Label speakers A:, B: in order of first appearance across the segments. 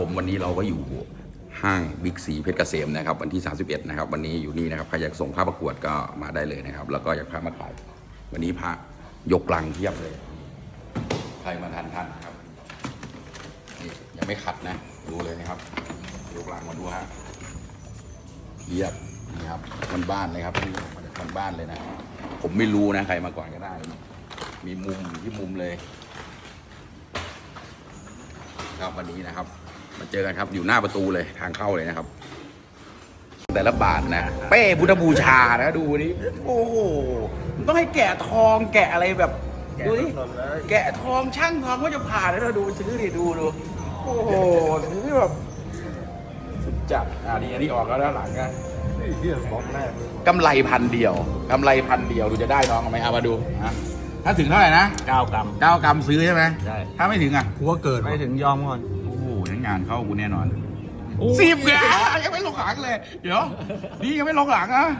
A: ผมวันนี้เราก็อยู่ห้างบิ๊กซีเพชรเกษมนะครับวันที่31นะครับวันนี้อยู่นี่นะครับใครอยากส่งผ้าประกวดก็มาได้เลยนะครับแล้วก็อยากพามาขายวันนี้พระยกลังเทียบเลยใครมาทันครับนี่ยังไม่ขัดนะดูเลยนะครับยกลังมาดูฮะเทียบนี่ครับบ้านเลยครับนี่มาจากบ้านเลยนะผมไม่รู้นะใครมาก่อนก็ได้มีมุมที่มุมเลยครับวันนี้นะครับมาเจอกันครับอยู่หน้าประตูเลยทางเข้าเลยนะครับแต่ละบาทนะเป้พุทธบูชานะดูนี่โอ้โหมันต้องให้แกะทองแกะอะไรแบบดูนี่แกะทองช่างทองก็จะผ่านแล้วดูซื้อดิดูโอ้โหซื้อแบบสุดจัดอันนี้ออกแล้วด้านหลังนะกำไรพันเดียวดูจะได้น้องไหมเอามาดูนะถ้าถึงเท่าไหร่นะ
B: 9 กรัม
A: 9 กรัมซื้อใช่ไหม
B: ใช่
A: ถ้าไม่ถึงอ่ะ
B: หัวเกิดไม่ถึงยอมก่อน
A: โอ้โหงานเข้ากูแน่นอน10เนี่ยยังไม่ลงหลังเลยเดี๋ยวนี่ยังไม่ลงหลังนะ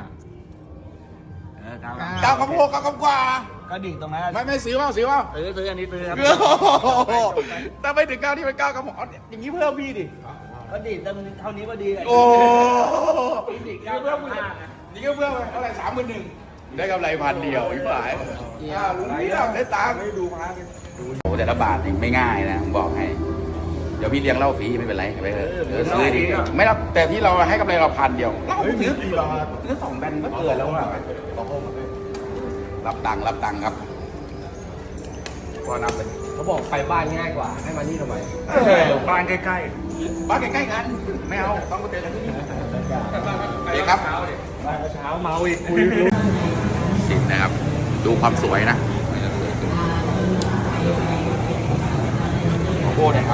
A: 9 กรัม 9 กรัมกว่า
B: ก็ดิ่งตรงนั้น
A: ไม่ซื้อเปล่าซื้อ
B: อันนี้ซื้อครับ
A: ถ้าไม่ถึง9ที่เป็น9 กรัมอย่างนี้เพิ่มพี่ดิ
B: ก็ดิ่งเท่านี้ก็ดี
A: โอ้
B: ดิ่ง9 กรัม
A: นี่ก็เพิ่มไปเท่าไหร่30,000ได้กำไรพันเดียวอีกฝ่ายลุงนี่ได้ตังค์ดูมาโอ้แต่ละบาทนี่ไม่ง่ายนะผมบอกให้เดี๋ยวพี่เลี้ยงเหล้าฟรีไม่เป็นไรไปเถอะซื้อดีไม่รับแต่ที่เราให้กำไรเราพันเดียวเราซื้อ2 แบนก็เกินแล้วอะรับตังค์ครับพอนับเลย
B: เขาบอกไปบ้านง่ายกว่าให้มานี่ทำไม
A: บ้านใกล้กันไม่เอาต้องมาเจอกันที่นี่เดี๋ยวครับ
B: เช้าเมาอีกคุย
A: สิบนะครับดูความสวยนะโอ้โหนะครับ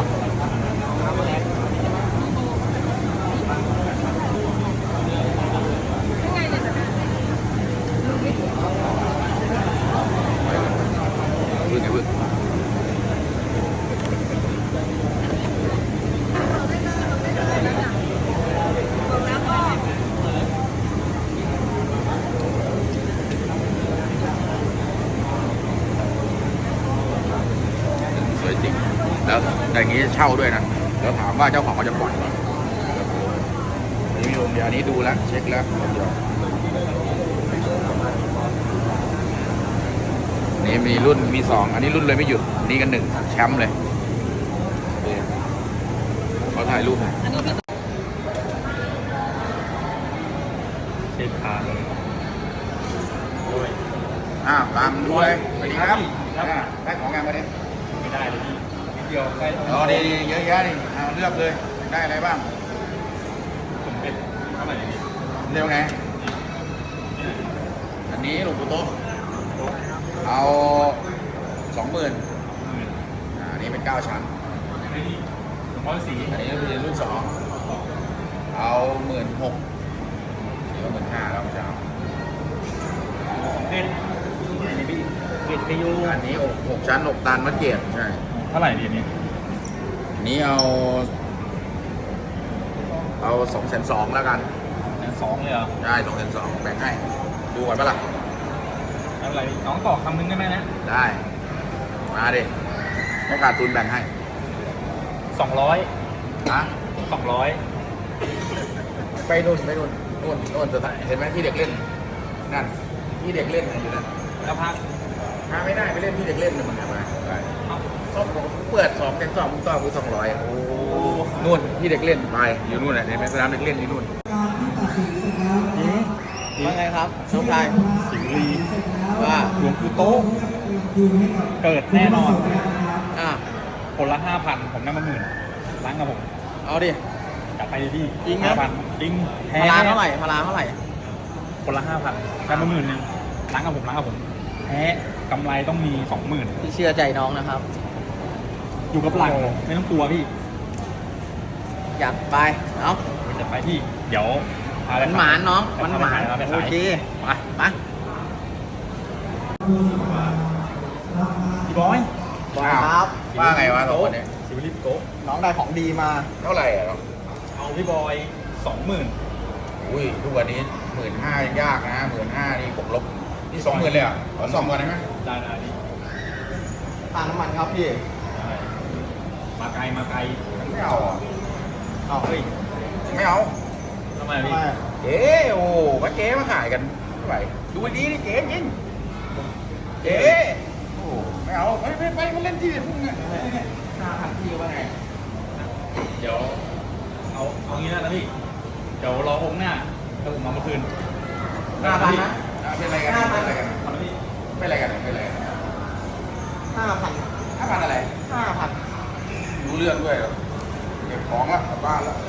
A: แล้วอย่างนี้เช่าด้วยนะแล้วถามว่าเจ้าของเขาจะปล่อยไหมเดี๋ยวนี้ดูแล้วเช็คแล้วนี่มีรุ่นมี2อันนี้รุ่นเลยไม่หยุดนี่กัน1แชมป์เลยเขาถ่ายรูป
B: เช็คขา
A: ตามด้วยสวัสดีครับได้ของงานมาดิ
B: ไม่ได้เลยเดียวใกล้
A: ดีเยอะแยะดิเลือกเลยได้อะไรบ้าง
B: ผมเป็นเท่าไหร่นี่
A: เร็วไงอันนี้หลวงปู่โต๊ะเอา20,000อันนี้เป็น9 ชั้น
B: หลวงพ่อสี
A: อันนี้เป็นรุ่น2เอา16,000นี่ก็15,000แล้วจะเอา
B: เป็นเกตพยู
A: อันนี้6 ชั้น6 ตันมะเกียรใช่
B: เท่าไหร่ดีนี้
A: นี้เอา220,000แล้วกัน
B: 2เลยเหรอ
A: ได้220,000แบ่งให้ดูก่อนปะล่ะ
B: อะไรน้องต่อคำนึงได้ไหมนะ
A: ได้มาดิไม่ขาดทุนแบ่งให้
B: 200
A: นะ
B: 200
A: ไปนู่นจะเห็นไหมที่เด็กเล่นนั่นที่เด็กเล่นอยู่นั่น
B: แล้วพัก
A: ไม่ได้ไปเล่นที่เด็กเล่นมันทำไมส้มเปิด2 แกง2มึงต่อกู200โอ้นู่นที่เด็กเล่นไปอยู่นู่นแหละในสนามเด็กเล่นอยู่นู่น
B: ว่าไงครับน้องชายสิงห์ลีว่าหลวงปู่โต๊ะเกิดแน่นอนคนละ 5,000ผมได้มา10,000ล้างกับผม
A: เอาดิ
B: จับไปดิ
A: จริงนะ
B: จริง
A: พลาเท่าไหร่
B: คนละ 5,000ได้มา10,000นึงล้างกับผมแพ้กำไรต้องมี 20,000
C: พี่เชื่อใจน้องนะครับ
B: อยู่กับหลังไม่ต้องกลัวพี่
C: อยากไปเนาะ
B: จะไปที่เดี๋ยว
C: มันหมานน้องมันหมานโอเคไป
B: พี่บอย
C: ครับ
A: ว่าไงวะตัวนี้
B: ซิวลิปโก้
C: น้องได้ของดีมา
A: เท่าไหร่อ่ะ
B: เอาพี่บอย20,000
A: อุ้ยทุกวันนี้15,000ยากนะ15,000นี่ผมลบนี่20,000เลยอ่ะขอ2 วันได้ไหม
B: ได้นี่
C: ค่าน้ำมันครับพี่
B: มาไกล
A: ไม่เอาอ่ะ
B: เอาเฮ้ย
A: ไม่เอา
B: ทำไมพี่
A: เจ๊โอ้ก็เจ๊มาขายกันเท่าไหร่ดูดีนี่เจ๊จริงเจ๊โอ้ไม่เอาไปมาเล่นที่อื่นพวกนี้5,000พี่ว่าไง
B: เดี๋ยวเอางี้นะพี่เดี๋ยวรอองค์หน้าแล้วผมมาเมื่อคืน
A: 5,000นะเป็นอะไรกันเป็นอะไรกัน
B: เอาละพี่
A: เป็นอะไรกันเป็นอะไรกัน
C: 5,000
A: 5,000อะไร
C: 5,000
A: รู้เรื่องด้วยเหรอเก็บของละกลับบ้านแล้ว